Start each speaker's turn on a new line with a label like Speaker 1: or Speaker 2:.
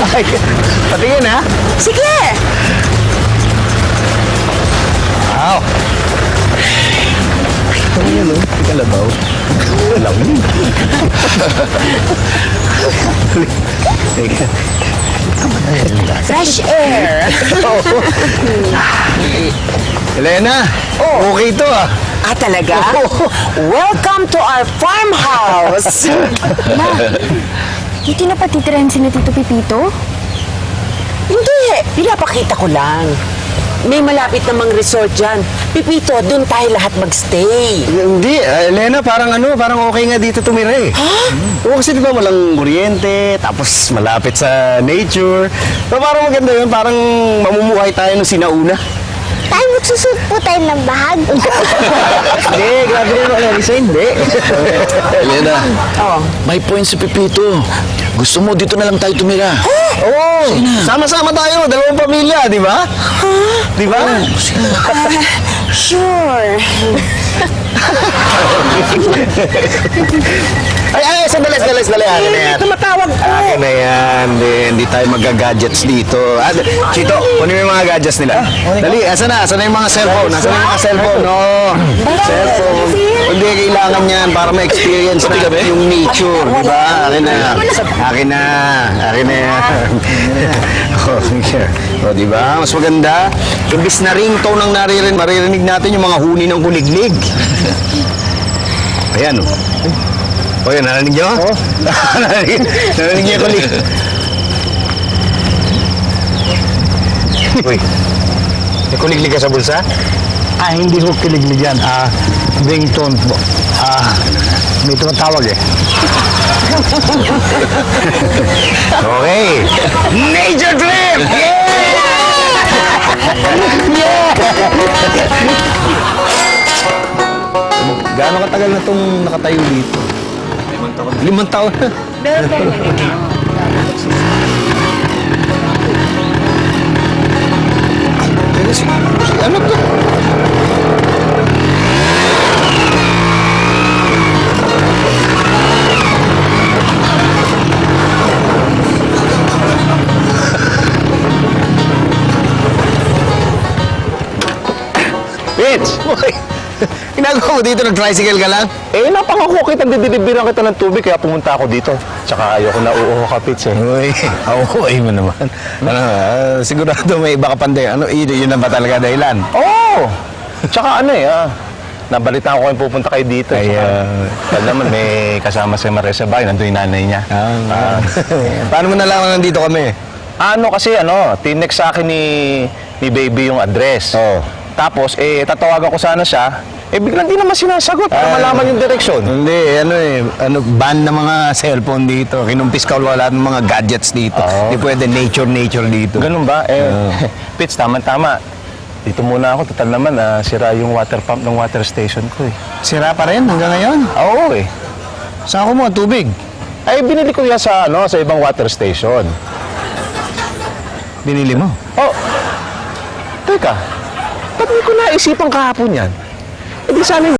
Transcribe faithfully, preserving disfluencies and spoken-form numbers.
Speaker 1: Ay, patingin ha?
Speaker 2: Sige!
Speaker 1: Wow! Ito yun, oh. Kalabaw. Lamig. Teka.
Speaker 2: Fresh air!
Speaker 1: Elena,
Speaker 2: Oh.
Speaker 1: okay to ah.
Speaker 2: Ah, talaga? Welcome to our farmhouse!
Speaker 3: Ma, hindi na patitirahan si na Tito Pipito?
Speaker 2: Hindi, pinapakita ko lang. May malapit namang resort dyan. Pipito, doon tayo lahat magstay.
Speaker 1: Hindi, ah, Elena, parang ano, parang okay nga dito tumira eh.
Speaker 2: Ha?
Speaker 1: Oo, kasi di ba walang kuryente, tapos malapit sa nature. So, parang maganda yun, parang mamumuhay tayo nung sinauna.
Speaker 4: Tayo magsusuot po tayo ng bahag.
Speaker 1: Hindi, grabe na naman, Larissa, hindi.
Speaker 5: Elena,
Speaker 2: Oh.
Speaker 5: may point si Pipito. Gusto mo, dito na lang tayo tumira.
Speaker 1: Oo, sama-sama tayo, dalawang pamilya, di ba? Di ba?
Speaker 2: Sure.
Speaker 1: Ay, ay, sandali, sandali, sandali. Akin na yan.
Speaker 2: Tumatawag ko.
Speaker 1: Akin na yan. Hindi, hindi tayo magga-gadgets dito. Ah, Chito, kunin mo yung mga gadgets nila. Dali, asan na? Asan na yung mga cellphone? Asan na yung mga cellphone? No. Cellphone. Hindi, kailangan yan para ma-experience natin yung nature. Di ba? Akin na. Akin na. Akin na yan. Oh, yeah. Oh, di ba? Mas maganda. Imbis na ringtone ang naririnig, maririnig natin yung mga huni ng kuliglig. Ayan, oh. O yan, narinig niyo? Oo. narinig, narinig niyo yung kulig. Uy, may kuliglig ka sa bulsa?
Speaker 6: Ah, hindi ko kiliglig yan. Ah, ringtone po. Ah, may tumatawag eh.
Speaker 1: Okay. Nature trip! Yeah! Yeah! Gaano katagal na itong nakatayo dito? Limang taon. Limang taon na? Teka, si, si ano to? Mitch! Boy! Ginagawa mo dito, nag-tricycle ka lang?
Speaker 6: Eh, napangako kita, didilibiran kita ng tubig, kaya pumunta ako dito. Tsaka ayoko na uuho ka, Pits eh.
Speaker 1: Uy, ako, ay mo naman. Ano, ah, sigurado may iba ka pande. Ano, yun, yun na ba talaga dahilan?
Speaker 6: Oo! Oh! Tsaka ano eh, ah, nabalitaan ko kayong pupunta kayo dito.
Speaker 1: Ay,
Speaker 6: Tsaka,
Speaker 1: ah,
Speaker 6: alam naman, may kasama si Marisa Bay, nandun yung nanay niya.
Speaker 1: Ah, paano mo nalaman nandito kami?
Speaker 6: Ano kasi, ano, tinext sa akin ni, ni Baby yung address.
Speaker 1: Oo.
Speaker 6: Tapos, eh, tatawagan ko sana siya. Eh, biglang di naman sinasagot para
Speaker 1: Ah.
Speaker 6: malaman yung direksyon.
Speaker 1: Hindi, ano eh, ano, ban ng mga cellphone dito. Kinumpis ka wala ng mga gadgets dito.
Speaker 6: Oo.
Speaker 1: Hindi pwede nature-nature dito.
Speaker 6: Ganun ba? Eh, Pits, tama-tama. Dito muna ako. Total naman, ah, sira yung water pump ng water station ko eh.
Speaker 1: Sira pa rin hanggang ngayon.
Speaker 6: Oo eh.
Speaker 1: Saan ko mo tubig?
Speaker 6: Ay, binili ko yan sa, ano, sa ibang water station.
Speaker 1: Binili mo?
Speaker 6: Oh, teka. Ba't di ko naisipan kahapon yan? Eh di sana